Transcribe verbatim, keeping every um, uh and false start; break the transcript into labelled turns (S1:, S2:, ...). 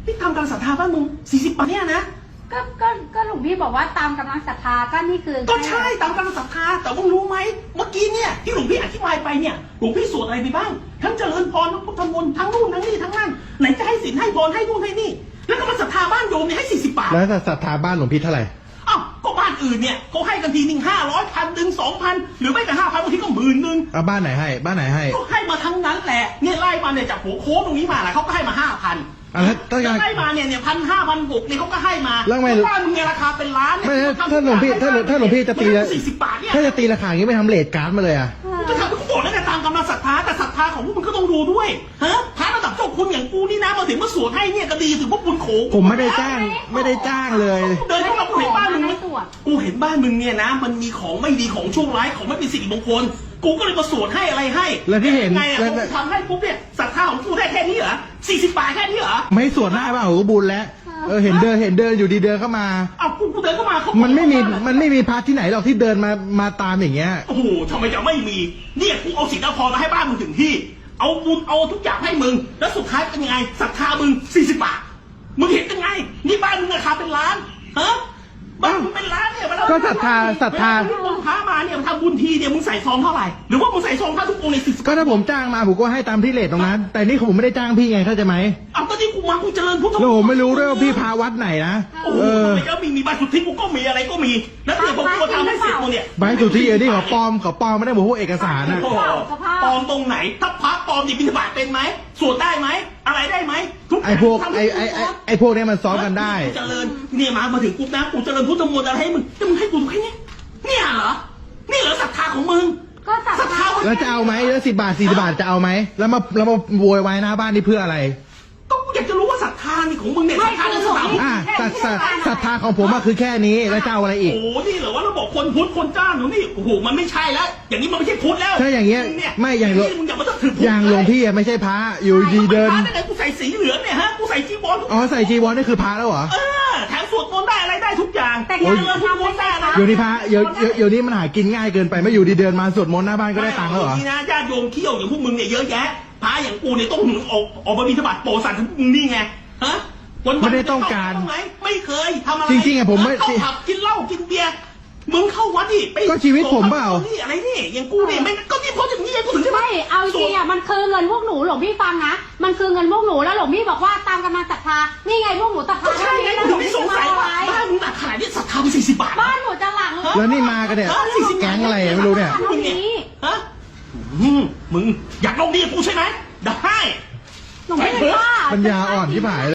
S1: พี่ทำการศรัทธาบ้านมึงสี่สิบบาทเนี่ยนะ
S2: ก็ก็ก็หลวงพี่บอกว่าตามกำลังศรัทธาก็นี่คือ
S1: ก็ใช่ตามกำลังศรัทธาแต่มึงรู้ไหมเมื่อกี้เนี่ยที่หลวงพี่อธิบายไปเนี่ยหลวงพี่สวดอะไรไปบ้างทั้งเจริญพรทั้งพุทธมนต์ทั้งนู่นทั้งนี่ทั้งนั่นไหนจะให้ศีลให้พรให้นู่นให้นี่แล้วก็มาศรัทธาบ้านโยมเนี่ยให้สี่สิบบาท
S3: แล้วศรัทธาบ้านหลวงพี่เท่าไหร่
S1: อ้าวก็บ้านอื่นเนี่ยเขาให้กันทีหนึ่งห้าร้อยพันหนึ่งสองพันหรือไม่แต่ห้าพันบางทีก็หมื่นหนึ่ง
S3: เอาบ้านไหนให้บ้านไหนให้
S1: ก็ให้มาทั้งนั้นแหละเนี่ยไล่มาเนี่ยจากหัวโค้งตรงนี้มาแหละเขาก็ให้มาห้าพัน
S3: แล้วถ้า
S1: ไล่มาเนี่ยเนี่ยพันห้าพันหกเนี่ยเขาก็ให้มา
S3: แล้วไม่
S1: บ้านมึงเนี่ยราคาเป็นล้าน
S3: ไม่ถ้าหลวงพี่ถ้าถ้าหลวงพี่จะตี
S1: สี่สิบบาทเนี่ย
S3: ถ้าจะตีราคาอย่างนี้ไม่ทำเลทการ์ดมาเลยอ่ะ
S1: จะทำกูบอกแล้วไงตามกำลังศรัทธาแต่ศรัทธาของพวกมึงก็ต้องดูด้วยฮะพระระดับเจ้าคุณอย่างกูนี่นะมาถึงมาสวดให้เนี่ยก็ดีถือว่าบุญโขง
S3: ผมไม่ได้จ้างไม่ได้จ้างเลย
S1: เดินเข้ามากูเห็นบ้านมึงกูเห็นบ้านมึงเนี่ยนะมันมีของไม่ดีของช่วงร้ายของไม่เป็นสิริมงคลกูก็เลยมาสวดให้อะไรให้
S3: แล้วที่เห็น
S1: ไงอ่ะกูทำให้ปุ๊บเนี่ยศรัทธาของกูได้แค่นี้เหรอสี่สิบบาทแค่นี้เหรอ
S3: ไม่สวดได้ป่ะโอ้บุญแล้วเออเห็นเดินเห็นเดินอยู่ดีเดินเข้ามา
S1: อ้าวกูกูเดินเข้ามาเขา
S3: มันไม่มีมันไม่มีพระที่ไหนหรอกที่เดินมามาตามอย่างเงี้ย
S1: โอ้โหทำไมจะไม่มีเนี่ยกูเอาศีลเอาพรมาให้บ้านมึงถึงที่เอาบุญเอาทุกอย่างให้มึงแล้วสุดท้ายเป็นยังไงศรัทธามึงสี่สิบบาทมึงเห็นยังไงนี่บ้านมึงราคาเป็นล้านฮะบ้านมึงเป็นล้านเนี่ย
S3: ก็ศรัทธาศรัทธา
S1: มึงพามาเนี่ยทำบุญทีเนี่ยมึงใส่ซองเท่าไหร่หรือว่ามึงใส่ซองพระทุกองค์ในสิบ
S3: ก็ถ้าผมจ้างมาผมก็ให้ตามที่เลทตรงนั้นแต่นี่ผมไม่ได้จ้างพี่ไงเข้าใจไหม
S1: เอาก็ที่กูมากูเจริญพุทธ
S3: แล้วผมไม่รู้ด้วยว่าพี่พาวัดไหนนะ
S1: โอ้โหก็มีมีใบสุทธิกูก็มีอะไรก็มีแล้วเดี๋ยวผมก็ทำให้เสร็จกูเนี่ย
S3: ใบสุทธิเออนี่ขอปลอมขอปลอมไม่ได้บอกพวกเอกสารนะ
S1: ปลอมตรงไหนถ้าพระปลอมดิบิณฑบาตเป็นไหมสวดได้ไหมอะไรได้ไหม
S3: ไอ้พวกไอ้ไอ้ไอ้พวกนี้มันซ้อมกันได้
S1: เจริญเนี่ยมามาถึงปุ๊บนะกูเจริญพุทธมนต์อะไรให้มึงจะมึงให้กูดูแค่นี้เนี่ยเหรอนี่เหรอศรัทธาของมึง
S2: ก็ศรัทธา
S3: แล้วจะเอาไหมแล้วสิบบาทสี่สิบบาทจะเอาไหมแล้วมาแล้วมาโวยวายหน้าบ้านนี่เพื่ออะไร
S1: ก็กูอยากจะรู้ว่าศรัทธานี่ของมึงเนี่ยศรัทธาในสถาน
S3: อ่าศรัทธาของผมอะคือแค่นี้แล้วจะเอาอะไรอีก
S1: โอ้นี่เหรอว่าเราบอกคนพุทธคนจ้างหนูนี่โอ้โหมันไม่ใช่แล้วอย่างนี้มันไม่ใช่พุทธแล้ว
S3: ถ้าอย่างเงี้ยไม่อย่างหลวงอย่างหลวงพี่อะไม่ใช่พระอยู่ดีเดิน
S1: กูใส่สีเหลืองเนี่ยฮะกูใส่จีวร
S3: อ๋อใส่จีวรนี่คือพระแล้วเหรอ
S1: เออแถมสวดมนต์ได้อะไรได้ทุกอย่าง
S2: แต่ยังเราทำไม่ได้นะ
S3: อยู่นี่พระอยู่อยู่นี่มันหากินง่ายเกินไปไม่อยู่ดีเดินมาสวดมนต์หน้าบ้านก็ได้ตังค์แล้วเหรอ
S1: นี่นะญาติโยมเที่ยวอย่างพวกมึงเนี่ยเยอะแยะพระอย่างกูเนี่ยต้องหนุนออกออกมาบิณฑบาตโปรสันทั้งมึงนี่ไงฮะ
S3: ไม่ได้ต้องการ
S1: ไม่เคยทำอะไร
S3: จริงๆอะผมไม่
S1: เข้าผับกินเหล้ากินเบียร์มึงเข้าวัดดิไป
S3: ก็ชีวิตผมเปล่า
S1: นี่อะไรนี่อย่างกูเนี่ยไม่ก็ที่เพราะอย่างนี้กูถึงใช่ไหม
S2: ไม่เอาจริงอ่ะมันคือเงินพวกหนูหลวงพี่ฟังนะมันคือเงินพวกหนูแล้วหลวงพี่บอกว่าตามกำลังศรัทธานี่ไงพวกหนูศรัทธา
S1: ใช่ไงกูถึงไม่สงสัยว่าบ้านมึงหนักขนาดนี้ศรัทธาไปสี่สิบบาท
S2: บ้านหนูจะหลัง
S3: แล้วนี่มากันเนี่ยแก๊งอะไรไม่รู้เนี่ย
S1: ฮะมึงอยากลงดีกูใช่ไหมได้
S2: หนูไม่ได้ว่า
S3: ปัญญาอ่อนที่หาย